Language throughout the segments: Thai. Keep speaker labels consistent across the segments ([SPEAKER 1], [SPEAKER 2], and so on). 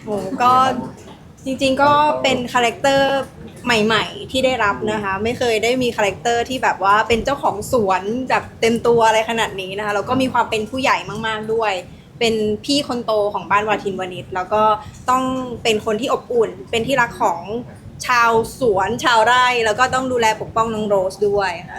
[SPEAKER 1] โอ้ก็จริงๆก็เป็นคาแรคเตอร์ใหม่ๆที่ได้รับนะคะไม่เคยได้มีคาแรคเตอร์ที่แบบว่าเป็นเจ้าของสวนแบบเต็มตัวอะไรขนาดนี้นะคะแล้วก็มีความเป็นผู้ใหญ่มากๆด้วยเป็นพี่คนโตของบ้านวาทินวณิชแล้วก็ต้องเป็นคนที่อบอุ่นเป็นที่รักของชาวสวนชาวไร่แล้วก็ต้องดูแลปกป้องน้องโรสด้วยค่ะ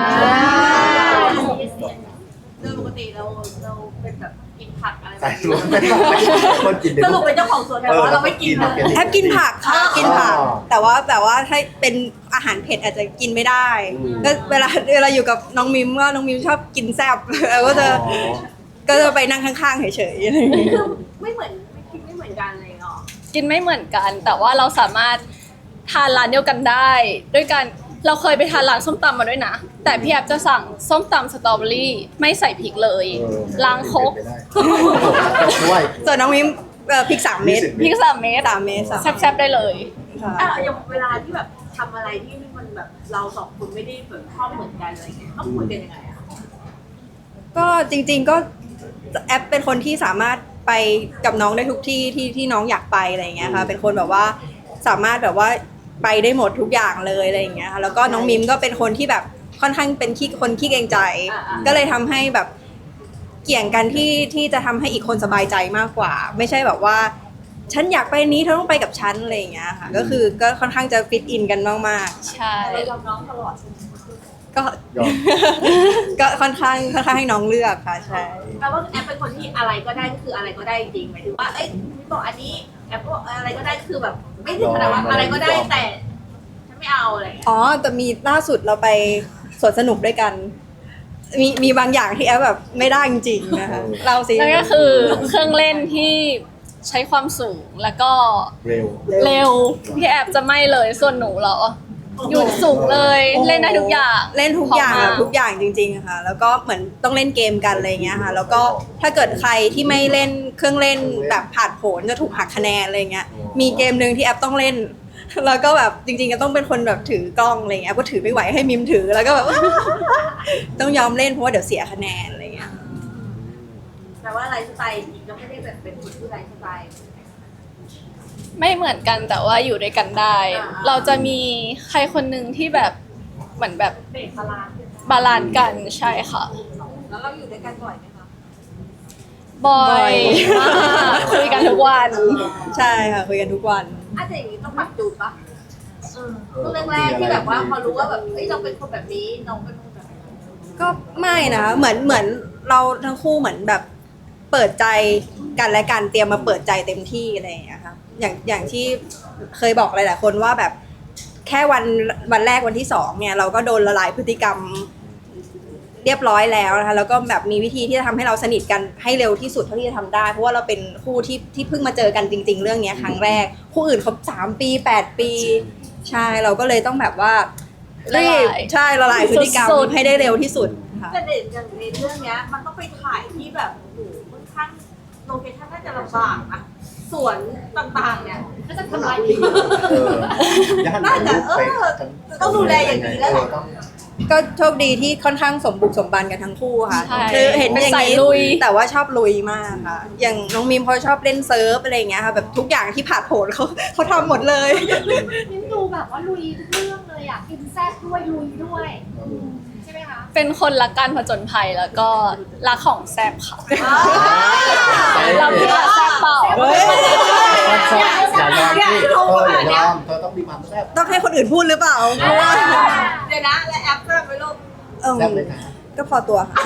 [SPEAKER 2] โดยปกติเราเป็นแบบกินผักอะไรแบ
[SPEAKER 3] ใส่
[SPEAKER 2] บ
[SPEAKER 3] สู
[SPEAKER 2] นี้
[SPEAKER 3] ตรไม่ได้คนกิน
[SPEAKER 2] สรุปเป็นเจ้าของสวนแต่ว่าเราไม่กินเลย
[SPEAKER 1] แทบกินผักค่ะกินผักแต่ว่าถ้าเป็นอาหารเผ็ดอาจจะกินไม่ได้ก็เวลาอยู่กับน้องมิมว่าน้องมิมชอบกินแซ่บแล้วก็จะไปนั่งข้างๆเฉยๆอะไรอย่างเงี้ย
[SPEAKER 2] คือไม่เหมือนไม่คิดไม่เหมือนกันเลยเนาะ
[SPEAKER 4] กินไม่เหมือนกัน แต่ว่าเราสามารถทานร้านเดียวกันได้ด้วยกันเราเคยไปทานร้านส้มตำมาด้วยนะแต่พี่แอบจะสั่งส้มตำสตรอเบอรี่ไม่ใส่พริกเลยล้างครก
[SPEAKER 3] ด้วย
[SPEAKER 1] ส่วนน้องมิมพริก3 เม็ด
[SPEAKER 4] พริก3 เม็ด
[SPEAKER 1] 3 เม็ด
[SPEAKER 4] แซ่บๆได้เลย
[SPEAKER 1] ค่ะ
[SPEAKER 2] อย่างเวลาที่แบบทำอะไรที่มันแบบเราสองคนไม่ได้แบบชอบเหมือนกันอะไรเงี้ยต้องคุยกันยังไงอะ
[SPEAKER 1] ก็จริงๆก็แอปเป็นคนที่สามารถไปกับน้องได้ทุกที่ที่น้องอยากไปอะไรอย่างเงี้ยค่ะเป็นคนแบบว่าสามารถแบบว่าไปได้หมดทุกอย่างเลยอะไรอย่างเงี้ยค่ะแล้วก็น้องมิมก็เป็นคนที่แบบค่อนข้างเป็นคนขี้เกรงใจ ก็เลยทำให้แบบเกี่ยงกันที่จะทำให้อีกคนสบายใจมากกว่า ไม่ใช่แบบว่า ฉันอยากไปนี้เธอต้องไปกับฉันอะไรอย่างเงี้ยค่ะก็คือก็ค่อนข้างจะฟิตอินกันมาก
[SPEAKER 4] ใช่
[SPEAKER 2] เรายอมน้องตลอดใช่ไหม
[SPEAKER 1] ๆก็
[SPEAKER 3] ยอม
[SPEAKER 1] ก็ค่อนข้างให้น้องเลือกค่ะใช่
[SPEAKER 2] แปลว่าแอปเป็นคนที่อะไรก็ได้ก็คืออะไรก็ได้จริงหมายถึงว่าเอ้ยพี่บอกอันนี้แอปบอกอะไรก็ได้คือแบบไม่ถึงขนาดว่าอะไรก็ได้แต่ฉันไม่เอาอะไรเงี้ย
[SPEAKER 1] อ๋อแต่มีล่าสุดเราไปสวนสนุกด้วยกัน มีบางอย่างที่แอฟแบบไม่ได้จริงๆนะคะเราสิ
[SPEAKER 4] นั่นก็คือเครื่องเล่นที่ใช้ความสูงแล้วก็
[SPEAKER 3] เร็ว
[SPEAKER 4] เร็วพี่แอบจะไม่เลยส่วนหนูเหรอหยุดสูงเลยเล่นได้ทุกอย่าง
[SPEAKER 1] เล่นทุกอย่าง
[SPEAKER 4] พร้
[SPEAKER 1] อะ
[SPEAKER 4] มม
[SPEAKER 1] ทุกอย่างจริงๆอะค่ะ แล้วก็เหมือนต้องเล่นเกมกันอะไรเงี้ยค่ะ แล้วก็ถ้าเกิดใครที่ไม่เล่นเครื่องเล่นแบบผ่านผลจะถูกหักคะแนนอะไรเงี้ย มีเกมหนึ่งที่แอปต้องเล่น แล้วก็แบบจริงๆก็ต้องเป็นคนแบบถือกล้องอะไรเงี้ยแอปก็ถือไม่ไหวให้มิมถือแล้วก็แบบ ต้องยอมเล่นเพราะว่าเดี๋ยวเสียคะแนนอะไรเงี้ย
[SPEAKER 2] แต่ว่าไลฟ์สไตล์จริงก็ไม่ได้แบบเป็นคนที่ไลฟ์สไตล์
[SPEAKER 4] ไม่เหมือนกันแต่ว่าอยู่ด้วยกันได้ เราจะมีใครคนหนึ่งที่แบบเหมือนแบบ
[SPEAKER 2] เบรกพลานซ์
[SPEAKER 4] บาลานซ์กันใช่ค่ะ
[SPEAKER 2] แล้วเราอยู่ด้วยกันบ่อยไหมคะ
[SPEAKER 4] บ่อ
[SPEAKER 1] บ่อย
[SPEAKER 4] ยมากคุยกันทุกวัน
[SPEAKER 1] ใช่ค่ะคุยกันทุกวัน
[SPEAKER 2] อาจจะอย่างนี้ต้องปรับจูนปะช่วงแรกๆที่แบบว่าพอรู้ว่าแบบเฮ้ยเราเป็นคนแบบนี้น้องเป็นคนแบบนี้
[SPEAKER 1] ก็ไม่นะคะเหมือนเราทั้งคู่เหมือนแบบเปิดใจกันและกันเตรียมมาเปิดใจเต็มที่อะไรอย่างเงี้ยค่ะอย่างที่เคยบอกหลายๆคนว่าแบบแค่วันแรกวันที่2เนี่ยเราก็โดนละลายพฤติกรรมเรียบร้อยแล้วนะคะแล้วก็แบบมีวิธีที่จะทำให้เราสนิทกันให้เร็วที่สุดเท่าที่จะทำได้เพราะว่าเราเป็นคู่ที่เพิ่งมาเจอกันจริง ๆ เรื่องเนี้ยครั้งแรกคู่อื่นเขา3 ปี8 ปีใช่เราก็เลยต้องแบบว่ารีบใช่ละลายพฤติกรรม
[SPEAKER 4] สุดๆ
[SPEAKER 1] ให้ได้เร็วที่สุดค่ะ
[SPEAKER 2] แต่เด่นอย่างในเรื่องเนี้ยมันต้องไปถ่ายที่แบบโอ้โหค่อนข้างโลเคชั่นน่าจะลำบากนะสวนต่างๆเนี่ยก็จะทำลายทิ้ง น่าจะต้องดูแลอย่างดีแล้วแหละ
[SPEAKER 1] ก็โชคดีที่ค่อนข้างสมบุกสมบันกันทั้งคู่ค่ะ
[SPEAKER 4] ใช่
[SPEAKER 1] คือเห็น
[SPEAKER 4] เป็น
[SPEAKER 1] อย่าง
[SPEAKER 4] สาย
[SPEAKER 1] นี้
[SPEAKER 4] ลุย
[SPEAKER 1] แต่ว่าชอบลุยมากค่ะ อย่างน้องมิมเขาชอบเล่นเซิร์ฟอะไรอย่างเงี้ยค่ะแบบทุกอย่างที่ผ่านโผลเขาทำหมดเลย
[SPEAKER 5] นิ้มดูแบบว่าลุยทุกเรื่องเลยอ่ะกินแซ่บด้วยลุยด้วยใช่ไหมคะ
[SPEAKER 4] เป็นคนรักการผจญภัยแล้วก็รักของแซ่บค่ะ เราคิดว่าแซ่บเปล่า
[SPEAKER 1] เฮ้ย
[SPEAKER 3] อย่ายอมที่อย่ายอมเธอต้องมีความแซ่บ
[SPEAKER 1] ต้องให้คนอื่นพูดหรือเปล่าเพราะว่า
[SPEAKER 2] เดี๋ยวนะและแอปแซ่บไปลูก
[SPEAKER 1] เอิ่ม
[SPEAKER 3] แซ่บเลยนะ
[SPEAKER 1] ก็พอตัวค่ะ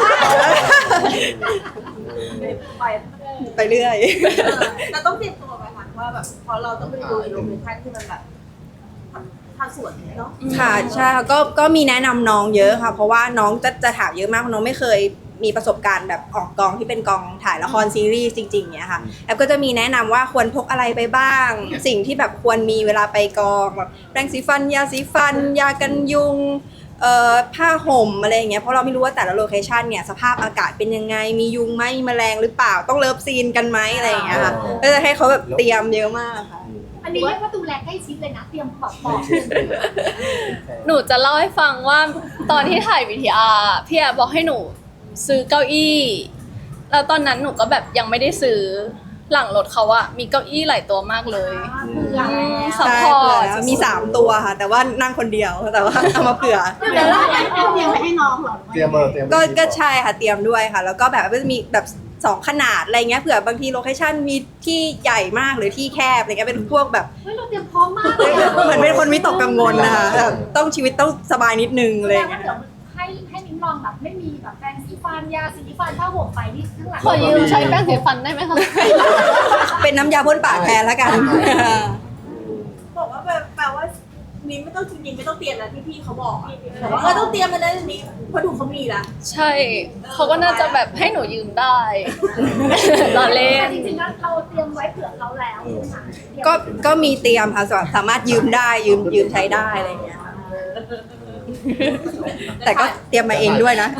[SPEAKER 2] ไป
[SPEAKER 1] ไปเรื่อย
[SPEAKER 2] แต่ต้องเตรียมตัวไหมคะว่าแบบพอเราต้องไปดูโลเคชั่นที่มันแบบทางสวนเนาะ
[SPEAKER 1] ค่ะใช่ค่ะก็มีแนะนำน้องเยอะค่ะ เพราะว่าน้องจะถามเยอะมากเพราะน้องไม่เคยมีประสบการณ์แบบออกกองที่เป็นกองถ่ายละครซีรีส์จริงๆเนี่ยค่ะแอปก็จะมีแนะนำว่าควรพกอะไรไปบ้าง สิ่งที่แบบควรมีเวลาไปกองแบบแปรงสีฟันยาสีฟัน ยากันยุงผ้าห่มอะไรอย่างเงี้ยเพราะเราไม่รู้ว่าแต่ละโลเคชันเนี่ยสภาพอากาศเป็นยังไงมียุงไหมมีแมลงหรือเปล่าต้องเลิฟซีนกันไหมอะไรอย่างเงี้ยค่ะก็จะให้เขาแบบเตรียมเยอะมากค่ะ
[SPEAKER 5] อันนี้เรียกว่าดูแลใกล้ชิดเลยนะ เตรียมปอกปอก
[SPEAKER 4] หนูจะเล่าให้ฟังว่าตอนที่ถ่ายวีทีอาร์พี่แอบบอกให้หนูซื้อเก้าอี้แล้วตอนนั้นหนูก็แบบยังไม่ได้ซื้อหลังรถเขาอะมีเก้าอี้หลายตัวมากเลย
[SPEAKER 5] เผื่อแล้ว
[SPEAKER 4] ซัพ
[SPEAKER 1] ใช่
[SPEAKER 4] พอ
[SPEAKER 1] เผื่อ
[SPEAKER 4] ร์ต
[SPEAKER 1] แล้วมี3ตัวค่ะ แต่ว่านั่งคนเดียวแต่ว่าเอามาเผื่อ
[SPEAKER 5] เดี๋ยวเราเอาเตรียมไว้ให้น้องเหรอ
[SPEAKER 3] เตรียมเตรียม
[SPEAKER 1] ก็ใช่ค่ะเตรียมด้วยค่ะ แล้วก็แบบว่าจะมีแบบ2ขนาดอะไรเงี้ยเผื่อบางทีโลเคชั่นมีที่ใหญ่มากหรือที่แคบอะไรเงี้ยเป็นพวกแบบ
[SPEAKER 5] เฮ้ยเราเตรียมพร้อมมากเลย
[SPEAKER 1] เหมือนเป็นคนวิตกกังวลนะคะแบบต้องชีวิตต้องสบายนิดนึง
[SPEAKER 5] แส
[SPEAKER 1] เล
[SPEAKER 5] ด
[SPEAKER 1] ย
[SPEAKER 5] งว่าเดี๋ยวให้นิ้งลองแบบไม่มีแบบแปรงสีฟันยาสีฟันผ้าห่มไปนี่ข้างหลัง
[SPEAKER 4] ขอยืมใช้แป้งสีฟันได้ไหมคะ
[SPEAKER 1] เป็นน้ำยาพ่นปากแทนแล้วกัน
[SPEAKER 2] บอกว่าแปลว่ามิ้นไม่ต้องจริงๆไม่ต้องเตรียมแล้วที่พี่เขาบอกอะบอกว่าต้องเตรียมมาได้นี้เพราะดูเขามีละ
[SPEAKER 4] ใช่เขาก็น่าจะแบบให้หนูยืมได้ รอเล่น
[SPEAKER 5] จริงๆแล้วเราเตรียมไว้เผื่อเขาแล้วใช่ไหมคะเตรียม
[SPEAKER 1] ก็มีเตรียมค่ะสามารถยืมได้ยืมใช้ได้อะไรเงี้ยแต่ก็เตรียมมาเองด้วยนะ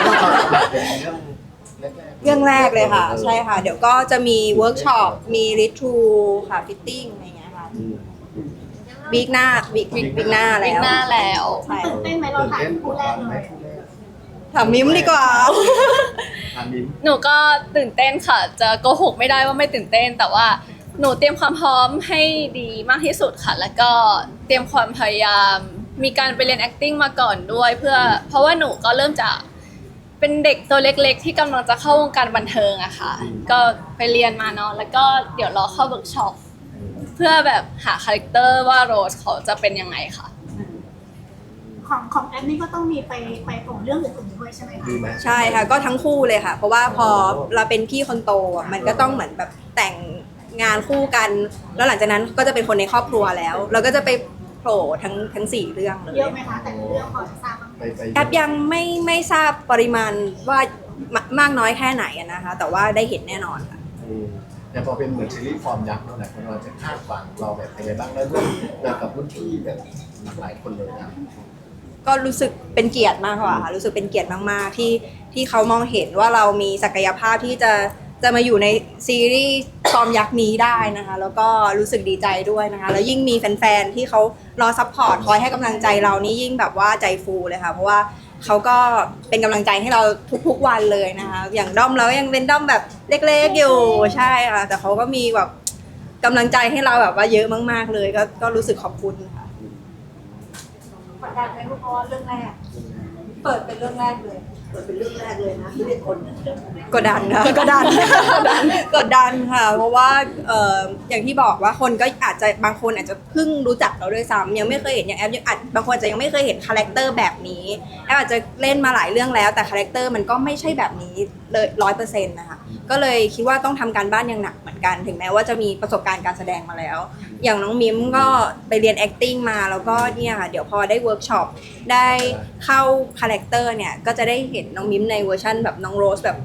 [SPEAKER 1] เรื่องแรกเลยค่ะ ใช่ค่ะ เดี๋ยวก็จะมีเวิร์กช็อปมีรีทูค่ะฟิตติ้งอะไรเงี้ยค่ะวีคหน้าวีคหน้า
[SPEAKER 4] วิ
[SPEAKER 1] แล้
[SPEAKER 4] ก
[SPEAKER 1] ว
[SPEAKER 4] หน้าแล้ว
[SPEAKER 1] ใช่
[SPEAKER 5] ตื่นเต้นไหมเราถ่ายคู่แรกเลย
[SPEAKER 1] ถามมิมดีกว่า
[SPEAKER 3] มิ้น
[SPEAKER 4] หนูก็ตื่นเต้นค่ะ จะโกหกไม่ได้ว่าไม่ตื่นเต้น แต่ว่าหนูเตรียมความพร้อมให้ดีมากที่สุดค่ะ แล้วก็เตรียมความพยายาม มีการไปเรียน acting มาก่อนด้วยเพราะว่าหนูก็เริ่มจากเป็นเด็กตัวเล็กๆ ที่กำลังจะเข้าวงการบันเทิงอะค่ะ ก็ไปเรียนมาเนาะ แล้วก็เดี๋ยวรอเข้าเวิร์กช็อปเพื่อแบบหาคาแรคเตอร์ว่าโรสเขาจะเป็นยังไงค่ะ
[SPEAKER 5] ของแอปนี่ก็ต้องมีไปโปรเรื่องอื่นๆด้วยใช่ไหมคะ
[SPEAKER 3] ดีไหม
[SPEAKER 1] ใช่ค่ะก็ทั้งคู่เลยค่ะ เพราะว่าพอเราเป็นพี่คนโตอ่ะมันก็ต้องเหมือนแบบแต่งงานคู่กัน แล้วหลังจากนั้นก็จะเป็นคนในครอบครัวแล้ว เราก็จะไปโผล่ทั้ง4เรื่องเลย
[SPEAKER 5] เยอะไหมคะแต่ละเรื่องพอจะทราบบ้างไหม
[SPEAKER 3] ไป
[SPEAKER 1] แอปยังไม่ทราบปริมาณว่ามากน้อยแค่ไหนอะนะคะ แต่ว่าได้เห็นแน่นอนค่ะ
[SPEAKER 3] แต่พอเป็นเหมือนซีรีส์ฟอร์มยักษ์นั่นแหละคนเราจะคาดหวังเราแบบเป็นไงบ้างแล้วร่วมแบบกับรุ่นพี่แบบหลายคนเลยนะ
[SPEAKER 1] ก็รู้สึกเป็นเกียรติมากกว่าค่ะรู้สึกเป็นเกียรติมากๆที่เขามองเห็นว่าเรามีศักยภาพที่จะมาอยู่ในซีรีส์ฟอร์มยักษ์นี้ได้นะคะ แล้วก็รู้สึกดีใจด้วยนะคะ แล้วยิ่งมีแฟนๆที่เขารอซัพพอร์ตคอยให้กำลังใจเรานี่ยิ่งแบบว่าใจฟูเลยค่ะเพราะว่าเขาก็เป็นกำลังใจให้เราทุกๆวันเลยนะคะ อย่างด้อมเรายังเป็นด้อมแบบเล็กๆอยู่ใช่ค่ะแต่เขาก็มีแบบกำลังใจให้เราแบบว่าเยอะมากๆเลยก็รู้สึกขอบคุณค่ะ
[SPEAKER 2] กดดันไหมเพราะว่าเรื่องแรก เปิดเป็นเรื่องแรกเลย เปิดเป็นเรื่องแรกเลยนะที่เป็นคน
[SPEAKER 1] กดดันค่ะกดดันกดดันค่ะ เพราะว่าอย่างที่บอกว่าคนก็อาจจะบางคนอาจจะเพิ่งรู้จักเราด้วยซ้ำยังไม่เคยเห็นอย่างแอปยังอาจบางคนอาจจะยังไม่เคยเห็นคาแรคเตอร์แบบนี้แอปอาจจะเล่นมาหลายเรื่องแล้วแต่คาแรคเตอร์มันก็ไม่ใช่แบบนี้เลย100%นะคะก็เลยคิดว่าต้องทำการบ้านอย่างหนักเหมือนกันถึงแม้ว่าจะมีประสบการณ์การแสดงมาแล้ว อย่างน้องมิมก็ไปเรียน acting มาแล้วก็เนี่ยค่ะเดี๋ยวพอได้เวิร์กช็อปได้เข้าคาแรคเตอร์เนี่ยก็จะได้เห็นน้องมิมในเวอร์ชั่นแบบน้องโรสแบบ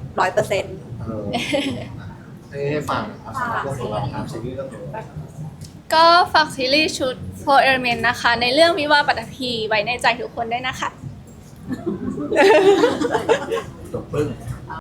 [SPEAKER 1] 100%
[SPEAKER 3] ให้ฟังครับเรื่องของเราครับซีรีส์เรื่องของเรา
[SPEAKER 4] ก็ฝากซีรีส์ชุด Four Element นะคะ ในเรื่องวิวาห์ปัตภีไว้ในใจทุกคนด้วยนะคะ
[SPEAKER 3] จบปึ้ง